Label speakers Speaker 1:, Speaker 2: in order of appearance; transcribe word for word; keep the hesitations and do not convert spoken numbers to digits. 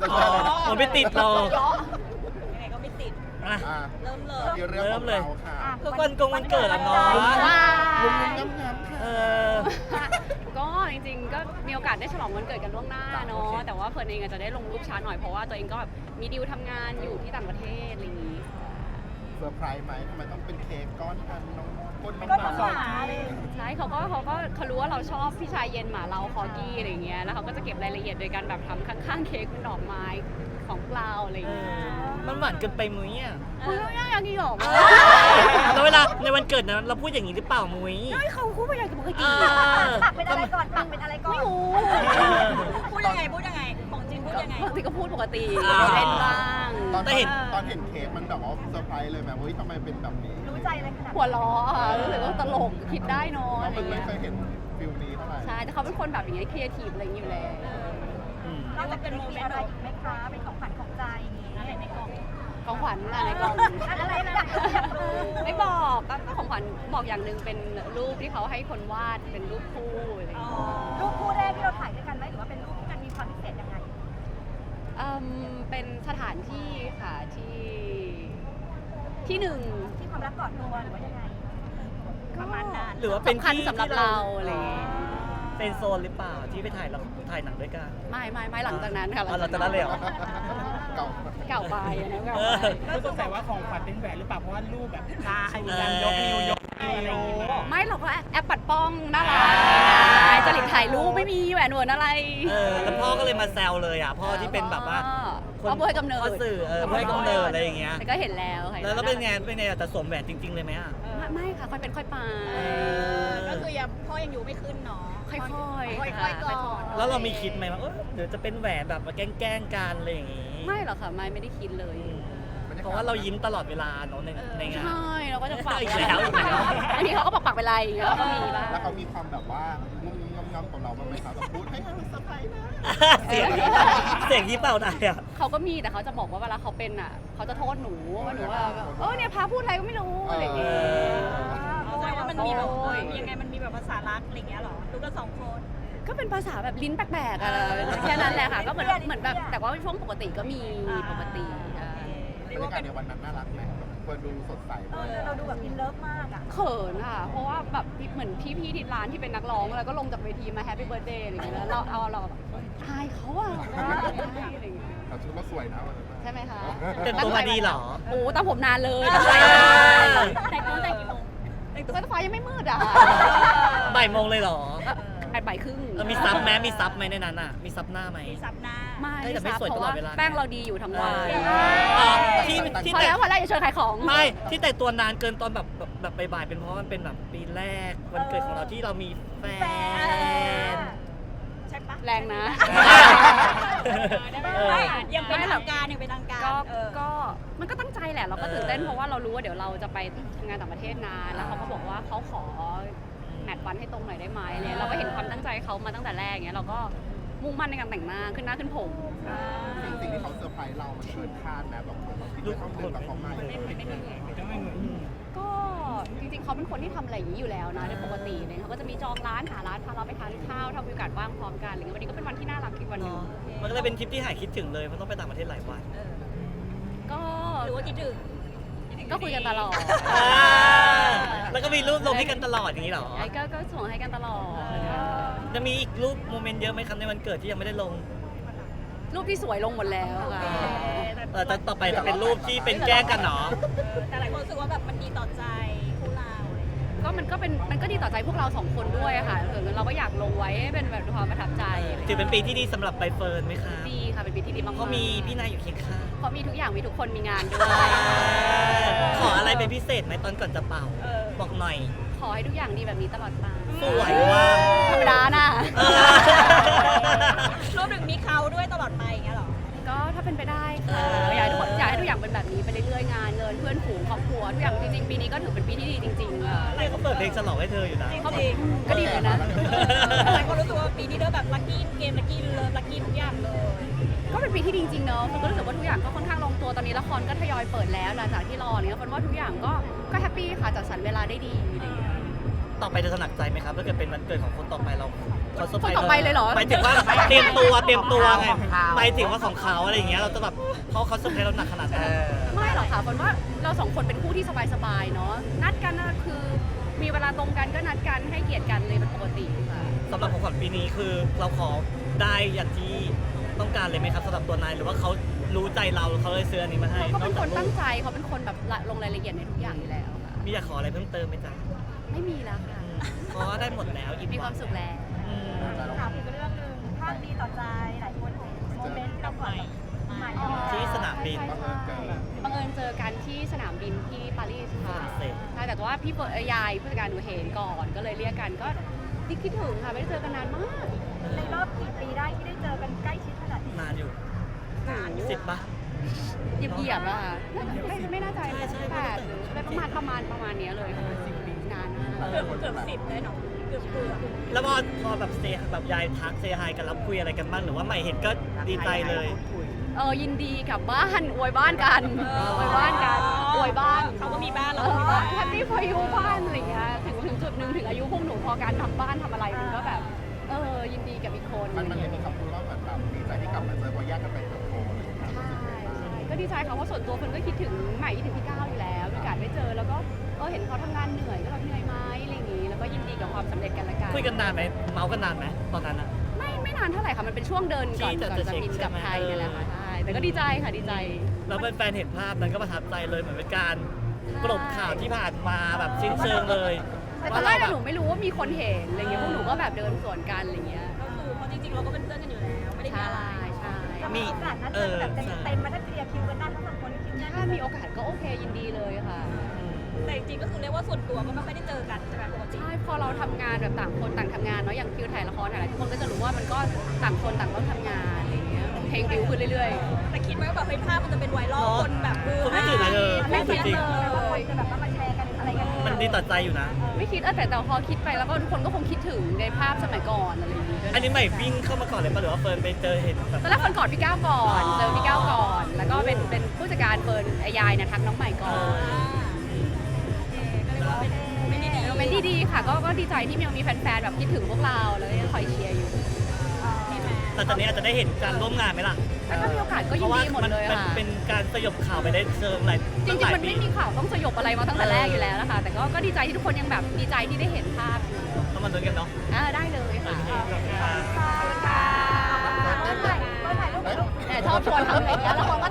Speaker 1: จะใช่เลย
Speaker 2: ผมไม่ติดหรอก
Speaker 3: ยังไงก็ไม่ติด
Speaker 2: อ่ะ
Speaker 1: อ่ะ
Speaker 3: เริ่มเลย
Speaker 1: ที่เรื่องของเราค่ะ
Speaker 2: ก็วันกงวันเกิดอ่ะเนาะ
Speaker 1: มุมงามๆค่ะ
Speaker 2: เออ
Speaker 4: ก็จริงๆก็มีโอกาสได้ฉลองวันเกิดกันล่วงหน้าเนาะแต่ว่าเฟิร์นเองอาจจะได้ลงรูปช้าหน่อยเพราะว่าตัวเองก็แบบมีดีลทำงานอยู่ที่ต่างประเทศอะไรอย่างนี้
Speaker 1: เซอร์ไพรส์ไหมทำไมต้องเป็นเค้กก้อนอันน้องก้นน้อง
Speaker 3: ก็
Speaker 1: ห
Speaker 3: ต้
Speaker 1: มา
Speaker 3: องหาเลย
Speaker 4: ใช่เขาก็เขาก็เขารู้ว่าเราชอบพี่ชายเย็นหมาเราคอกี้อะไรอย่างเงี้ยแล้วเขาก็จะเก็บรายละเอียดโดยการแบบทำข้างๆเค้กเป็นดอกไม้ของเราอะไรอย่าง
Speaker 2: เอ
Speaker 4: เงี้ย
Speaker 2: อมันหวานเกินไปมุ้ยอ่ะ
Speaker 4: คุยไม่ได้ยังกี่หรอก
Speaker 2: แล้วเวลาในวันเกิดนะเราพูดอย่างนี้หรือเปล่ามุ้ย
Speaker 4: ไม่เขาคู่ไปอย่างกับปกติ
Speaker 2: เออ
Speaker 3: ปักเป็นอะไรก่อนปักเป็นอะไรก่อน
Speaker 4: ไม่รู้
Speaker 3: พูดยังไงพูดยังไงของจริงพูดยังไง
Speaker 4: ปกติก็พูดปกติ
Speaker 2: อ่า
Speaker 4: เล่นบ้าง
Speaker 1: ตอน
Speaker 2: แต่เห็น
Speaker 1: ตอนเห็นเค้กมันแบบว่าเซอร์ไพรส์เลยแบบเฮ้ยทำไมเป็นแบบนี้
Speaker 3: รู้ใจอะไรขนาด
Speaker 4: หัวล้อค่ะรู้สึกว่าตลกคิดได้เนอะ
Speaker 1: เรา
Speaker 4: อะไร
Speaker 1: ไม่
Speaker 4: เงี้ย
Speaker 1: เคยเห็นฟิลนี้เท่าไหร่
Speaker 4: ใช่แต่เขาเป็นคนแบบอย่างเงี้ยครีเอทีฟอะไรอย่างเงี้ยอยู่แล้ว
Speaker 2: อืม
Speaker 3: นอกจากเป็นโมเมนต์อะไรอีกไหมคะเป็นของขวัญของใจอย่างงี้อะไรในกล่อง
Speaker 4: ของขวัญอะไรกล่อง
Speaker 3: อะไรอยากรู้อยากรู้
Speaker 4: ไม่บอกก็ก็ของขวัญบอกอย่างหนึ่งเป็นรูปที่เขาให้คนวาดเป็นรูปคู่อะไรอย่างเงี้ย
Speaker 3: รูปคู่แรกที่เราถ่ายด้วยกันไหมหรือว่าเป็นรูปที่มันมีความพิเศษยังไง
Speaker 4: เอิ่มเป็นสถานที่ค่ะที่ที่หนึ่ง
Speaker 3: ที่ความรักกอดตัวหรือว่ายังไงประมาณนั้น
Speaker 2: หรือว่าเป็น
Speaker 4: สำคัญ
Speaker 2: ที่
Speaker 4: สำหรับ
Speaker 2: ที่
Speaker 4: เราอะไรอย่างเงี้ย
Speaker 2: เป็นโซนหรือเปล่าที่ไปถ่ายเราถ่ายหนังด้วยกัน
Speaker 4: ไม่ไม่ไม่หลังจากนั้นค่ะ
Speaker 2: อ๋อหลังจากนั้นเลยเหรอ
Speaker 1: เก่า
Speaker 4: เก่าไปอันนั้นเก่า
Speaker 2: เอ
Speaker 4: ไป
Speaker 2: อ
Speaker 5: ก็สงสัยว่าของขวัญเป็นแหวนหรือเปล่าเพราะว่ารูปแบบตาไอ้การยกนิ้วยกนิ้วอะไรอย่างเงี้ย
Speaker 4: ไม่เราก็แอปปัดป้องน่ารักจริตถ่ายรูปไม่มีแหวนเหวนอะไร
Speaker 2: เออแล้วพ่อก็เลยมาแซวเลยอ่ะพ่อที่เป็นแบบว่า
Speaker 4: พ่อพ่อให้กำเนิด
Speaker 2: พ่อสื่อเออพ่อให้กำเนิดอะไรอย่างเงี้ย
Speaker 4: แต่ก็เห็นแล้วค่ะ
Speaker 2: แล้วแล้วเป็นไงเป็นไงแต่สวมแหวนจริง ๆ เลยไหมอ่ะ
Speaker 4: ไม่ไม่ค่ะค่อยเป็นค่อยไป
Speaker 2: เออ
Speaker 3: ก็คือยังพ่อยังอยู่ไม่ขึ้นเนาะ
Speaker 4: ค่อยๆ
Speaker 3: ค่อยๆ
Speaker 4: ค่ะ
Speaker 3: ก่อน
Speaker 4: ค่อยๆ
Speaker 2: แล้วเรามีคิดไหมว่าเออเดี๋ยวจะเป็นแหวนแบบมาแกล้งๆกันอะไรอย่างงี้
Speaker 4: ไม่หรอกค่ะไม่ไม่ได้คิดเลย
Speaker 2: เพราะว่าเรายิ้มตลอดเวลาเนาะในในงาน
Speaker 4: ใช่เราก็จะปัก
Speaker 2: อีกแล้วอีกแล้ว
Speaker 4: อันนี้เขาก็ปักปักเป็นไรแล้วก็มีบ้าง
Speaker 1: แล้วเขามีความแบบว่างุ้มงำงำของเราบ้างไหมครับแบบพูดให้มันเซอร์ไพรส์นะ
Speaker 2: เสียงเสียงที่เปล่าได้อ่ะ
Speaker 4: เขาก็มีแต่เขาจะบอกว่าเวลาเขาเป็นอ่ะเขาจะโทษหนูว่าหนูว่าเออเนี่ยพาพูดอะไรก็ไม่รู้อะไรอย่างเงี้ย
Speaker 3: แสดงว่ามันมีแบบยังไงมันมีแบบภาษารักอะไรอย่างเงี้ยหรอดูกันสองคน
Speaker 4: ก็เป็นภาษาแบบลิ้นแปลกๆอะแค่นั้นแหละค่ะก็เหมือนเหมือนแบบแต่ว่าช่วงปกติก็มีปกติอ่า
Speaker 1: บรรยากาศในวันนั้นน่ารักไหมเปิดดูสดใส
Speaker 3: เออเราดูแบบอินเลิฟมากอ่ะ
Speaker 4: เขินค่ะ เพราะว่าแบบเหมือนพี่ๆที่ร้านที่เป็นนักร้องแล้วก็ลงจากเวทีมาแฮปปี้เบิร์ดเดย์อะไรอย่างเงี้ยแล้วเราเอาเราแบบอายเขาอะอะไรอย่างเงี้ย
Speaker 1: แต่ชุดก็สวยนะวันนั้น
Speaker 4: ใช่ไหมคะ
Speaker 2: แต่งตัวมาดีเหรอ
Speaker 4: โอ้ตามผมนานเลย
Speaker 2: เออ
Speaker 3: แต่งตัวแต่งกี่โมง
Speaker 4: แต่งตัวฟ้ายังไม่มืดอ่ะ
Speaker 2: บ่ายโมงเลยเหรอ
Speaker 4: แปดบ่ายครึ่ง
Speaker 2: เออมีซับไหมมีซับไหมในนั้นอ่ะ มีซับหน้าไหม
Speaker 3: มีซับหน้า
Speaker 4: ไม่
Speaker 2: เฮ้ยแต่ไม่สวย
Speaker 4: เพราะ
Speaker 2: ตลอ
Speaker 4: ว่า
Speaker 2: ดเวลา
Speaker 4: แป้งเราดีอยู่ทั้งวัน
Speaker 2: อ๋อที่ที่
Speaker 4: พอ
Speaker 2: แต่
Speaker 4: แล้วพอแล้วอย่าเชิญขายของ
Speaker 2: ไม่ที่แต่งตัวนานเกินตอนแบบแบบแบบบ่ายๆเป็นเพราะมันเป็นแบบปีแรกวันเกิดของเราที่เรามีแฟน
Speaker 3: ใช่ปะ
Speaker 4: แรงนะ
Speaker 2: เออ
Speaker 3: ไม่ยังเป็นทางการยังเป็นทางการ
Speaker 4: ก็
Speaker 3: เออ
Speaker 4: ก็มันก็ตั้งใจแหละเราก็
Speaker 2: เออ
Speaker 4: ตื่นเต้นเพราะว่าเรารู้ว่าเดี๋ยวเราจะไปทำงานต่างประเทศนานแล้วเขาก็บอกว่าเขาขอแมทวันให้ตรงหน่อยได้ไหมเนี่ยเราก็เห็นความตั้งใจเขามาตั้งแต่แรกเงี้ยเราก็มุ่งมั่นในการแต่งหน้าขึ้นหน้าขึ้นผม
Speaker 1: สิ่งสิ่งที่เขาเซอร์ไพรส์เรา มันเกินคาดนะแบบของเราคิดว่าเขาเดินแต่เขามาอย่างนี้
Speaker 4: ก็จริงๆเขาเป็นคนที่ทำอะไรอย่างนี้อยู่แล้วนะในปกติเนี่ยเขาก็จะมีจองร้านหาร้านพาเราไปทานข้าวถ้ามีโอกาสว่างพร้อมกันอะไรเงี้ยวันนี้ก็เป็นวันที่น่ารักอีกวันหนึ่ง
Speaker 2: มันก็เลยเป็นทริปที่หายคิดถึงเลยมันต้องไปต่างประเทศหลายวัน
Speaker 4: ก็
Speaker 3: หรือว่าคิดถึง
Speaker 4: ก็คุยกันตลอด
Speaker 2: อ่าแล้วก็มีรูปลงให้กันตลอดอย่างนี้เหรอ
Speaker 4: ไอ้ก็ก็ส่งให้กันตลอด
Speaker 2: จะมีอีกรูปโมเมนต์เยอะไหมครับในวันเกิดที่ยังไม่ได้ลง
Speaker 4: รูปที่สวยลงหมดแล้วค่ะ
Speaker 2: เออแต่ต่อไปจะเป็นรูปที่เป็นแกล้งกันเนาะ
Speaker 3: แต่หลายคนรู้สึกว่าแบบมันดีต่อใจคู่เราอะไรอย่างเงี้ย
Speaker 4: ก็มันก็เป็นมันก็ดีต่อใจพวกเราสองคนด้วยอะค่ะถึงเราก็อยากลงไว้ให้เป็นแบบความประทับใจ
Speaker 2: ถือเป็นปีที่ดีสำหรับใบเฟิร์นไหมคะ
Speaker 4: ดีค่ะเป็นปีที่ดีมากๆ
Speaker 2: เขามีพี่นายอยู่เคียงข้าง
Speaker 4: เพราะมีทุกอย่างมีทุกคนมีงานด้วย
Speaker 2: ขออะไรเป็นพิเศษไหมตอนก่อนจะเป่า บอกหน่อย
Speaker 4: ขอให้ทุกอย่างดีแบบนี้ตลอดไป
Speaker 2: สวยว่ะ
Speaker 4: ธรรมดาน่ะ
Speaker 2: เออ
Speaker 3: รวมถึงมีเขาด้วยตลอดไปอย่างเงี้ยหรอ
Speaker 4: ก็ถ้าเป็นไปได้ค่ะอยากให้ทุกคนอยากให้ทุกอย่างเป็นแบบนี้ไปเรื่อยๆงานเงินเพื่อนฝูงครอบครัวทุกอย่างจริงๆปีนี้ก็ถือเป็นปีที่ดีจริงๆค่ะ
Speaker 2: เนี่ยเขาเปิดเพลงฉลองให้เธออยู่นะ
Speaker 3: จริง
Speaker 4: ก็ดีเหมือนกันนะ
Speaker 3: หลายคนรู้สึกว่าปีนี้เด้อแบบลัคกี้เกมลัคกี้เลิฟลัคกี้ทุกอย่างเลย
Speaker 4: ก็เป็นปีที่ดีจริงๆเนอะคนก็รู้สึกว่าทุกอย่างก็ค่อนข้างลงตัวตอนนี้ละครก็ทยอยเปิดแล้วหลังจากที่รอเนี่ยคนว่าทุกอย่างก็ก็แฮปปี้ค่ะจัดสรรเวลาได้ดีอะไรอย่างเงี้ย
Speaker 2: ตต่อไปจะสนักใจไหมครับถ้าเกิดเป็นวันเกิดของคนต่อไปเราเขาเซอร์ไพรส์
Speaker 4: คนต่อไปเลยเหรอ
Speaker 2: หมายถึงว่าเตรียมตัวเตรียมตัวไงหมายถึงว่าของเขาอะไรอย่างเงี้ยเราจะแบบเขาเขาเซอร์ไพรส์เราหนักขนาดไหน
Speaker 4: ไม่หรอกค่ะฝนว่าเราสองคนเป็นคู่ที่สบายๆเนาะนัดกันนะคือมีเวลาตรงกันก็นัดกันให้เกียรติกันเลยเป็นปกติค่ะ
Speaker 2: สำหรับของขวัญปีนี้คือเราขอได้อย่างที่ต้องการเลยไหมครับสำหรับตัวนายหรือว่าเขารู้ใจเราเขาเลยซื้ออันนี้มาให้
Speaker 4: เขาเป็นคน
Speaker 2: อกจาก
Speaker 4: ตั้งใจเขาเป็นคนแบบละลงรายละเอียดในทุกอย่างอยู่แล้วค่ะ
Speaker 2: มีอยากขออะไรเพิ่มเติมไหมจ๊ะ
Speaker 4: ไม่มีแล้วค่ะ
Speaker 2: เพราะว่าได้หมดแล้วอิ่ม
Speaker 4: มีความสุขแล้ว
Speaker 2: อืม
Speaker 3: ถามอีกเรื่องหนึ่งภาพดีต่อใจหลายคนเห็นโมเมนต์กับใหม่ใหม่
Speaker 2: ที่สนามบิน
Speaker 4: ใช่ใช่บังเอิญเจอกันที่สนามบินที่ปารีสค่ะ
Speaker 2: ฝรั่งเศส
Speaker 4: ใช่แต่ว่าพี่เปิดยายผู้จัดการหนูเห็นก่อนก็เลยเรียกกันก็คิดถึงค่ะไม่ได้เจอกันนานมาก
Speaker 3: ในรอบกี่ปีได้ที่ได้เจอกันใกล้ชิดขนาดนี้
Speaker 2: นานอยู่
Speaker 3: นานอยู่
Speaker 2: สิบปะ
Speaker 4: เหยียบเหยียบๆอะค่ะน่าจะไม่ไม่น่าใจ
Speaker 2: ใช่ใช่
Speaker 4: แปดหรืออะไรประมาณประมาณประมาณเนี้ยเลยค่ะนานมาก
Speaker 3: เกือบเกือบสิบเลยเนาะเกือบเกือบ
Speaker 2: แล้วพอพอแบบเซแบบยายทักเซฮายกันแล้วคุยอะไรกันบ้างหรือว่าใหม่เห็นก็ดีใจเลย
Speaker 4: เออยินดีกลับบ้านอวยบ้านกันอวยบ้านกันอวยบ้าน
Speaker 3: เขาก็มีบ้าน
Speaker 4: เอ
Speaker 3: เราก็มีบ้าน
Speaker 4: อแฮปปี้พอยูบ้านอะไรอย่างเงี้ยถึงถึงจุดหนึ่งถึงอายุพวกหนูพอการทำบ้านทำอะไรมันก็แบบเออยินดีกับอีกคน
Speaker 1: มันมันเลยมีคำพูดว่าเหมือนแบบดีใจที่กลับมาเจอเพราะแยกกันไปเติบโตอะไรอย่างเงี้ย
Speaker 4: ใช่ใช่ก็ดีใจค่ะเพราะส่วนตัวคนก็คิดถึงใหม่คิดถึงพี่ก้าวอยู่แล้วมีโอกาสได้เจอแล้วก็เออเห็นเขาทำงานเหนื่อยก็แบบเหนื่อยไหมอะไรอย่างงี้แล้วก็ยินดีกับความสำเร็จกันละกัน
Speaker 2: คุยกันนานไหมเมาส์กันนานไหมตอนนั้นอะ
Speaker 4: ไม่ไม่นานเท่าไหร่ค่ะมันเป็นช่วงเดินก่อน
Speaker 2: ที่จะ
Speaker 4: ก่อน
Speaker 2: จะ
Speaker 4: จะ
Speaker 2: เช็ค
Speaker 4: บินกลับ
Speaker 2: ใช่ไหม
Speaker 4: ไทยนี่แหละค่ะใช่แต่ก็ดีใจค่ะดีใจ
Speaker 2: แล้วแฟนๆเห็นภาพนั้นก็ประทับใจเลยเหมือนเป็นการกลบข่าวที่ผ่านมาแบบสิ้นเชิงเลย
Speaker 4: แต่ตอนแรกอะหนูไม่รู้ว่ามีคนเห็นอะไรเงี้ยพวกหนูก็แบบเดินสวนกันอะไรเงี้ย
Speaker 3: ก็คือเพราะจริงๆเราก็เป็นเพื่อนกันอยู่แล้วไม่ได้มี
Speaker 4: ใช่
Speaker 3: อะไร
Speaker 4: ใช่
Speaker 2: มี
Speaker 3: โอกาสนัดเจอแบบเต็มๆมาถ้าเคลียร์คิวกันได้ทั้งสองคนคิวแน่น
Speaker 4: ถ้ามีโอกาสก็โอเคยินดีเลยค่ะ
Speaker 3: แต่จริงๆก็คือเรียกว่าส่วนตัวก็ไม่ค่อยได้เจอกันใช่ไหมปกติ
Speaker 4: ใช่พอเราทำงานแบบต่างคนต่างทำงานเนาะอย่างคิวถ่ายละครอะไรทุกคนก็จะรู้ว่ามันก็ต่างคนต่างต้องทำงานอะไรเงี้ยเพลงบิวขึ้นเรื่อย
Speaker 3: แต่คิดไว้ว่าแบบเฮ้ยภาพมันจะเป็นไวรัลคนแบบมือ
Speaker 2: คนไม่ตื่นเลยเออ
Speaker 4: ๆไม่คิด
Speaker 2: จริง
Speaker 4: เลย
Speaker 3: คนจะแบบมาแชร์กันอะไรกัน
Speaker 2: มันดีต่อใจอยู่นะ
Speaker 4: ไม่คิดเออแต่แต่พอคิดไปแล้วก็ทุกคนก็คงคิดถึงในภาพสมัยก่อนอะไรอย่างงี้ด้วย
Speaker 2: อันนี้ใหม่วิ่งเข้ามาก่อนเลยป่ะหรือว่าเฟิร์นไปเจอเห็นแบบ
Speaker 4: ตอนแรกคนกอดพี่ก้าวก่อน
Speaker 2: อ๋อ
Speaker 4: เจอพี่ก้าวก่อน แล้วก็เป็นเป็นผู้จัดการเฟิร์นไอ้ยายเนะทักน้องใหม่ก่อน
Speaker 3: ไม่ได้ดี
Speaker 4: โมเมนต์ดีๆค่ะก็ก็ดีใจที่ยังมีแฟนๆแบบคิดถึงพวกเราแล้วก็ยังคอยเชียร์อยู่
Speaker 2: แต่ตอนนี้อาจจะได้เห็นการร่วมงานไหมล่ะ
Speaker 4: แล้วถ้ามีโอกาสก็ยินดีหมดเลย
Speaker 2: พราะว่ามัน
Speaker 4: ค่ะ
Speaker 2: เป็นการสยบข่าวไปได้เชิงหลาย
Speaker 4: จ
Speaker 2: ตั้
Speaker 4: ริ
Speaker 2: ง
Speaker 4: ง
Speaker 2: หลาย
Speaker 4: ๆมัน
Speaker 2: ปี
Speaker 4: ไม่มีข่าวต้องสยบอะไรมาตั้งแต่แรกอยู่แล้วนะคะแต่ก็ก็ดีใจที่ทุกคนยังแบบดีใจที่ได้เห็นภาพอยู่
Speaker 2: ต้องมาลุ้นกันเนาะ
Speaker 4: อ่าได้เลยค่ะ
Speaker 2: โอเคขอบคุณค่ะ
Speaker 4: ค่ะ
Speaker 3: เปิดถ่ายรูปกับลูก
Speaker 4: แต่ชอบชวนทำอย่างเงี้ยแล้วคน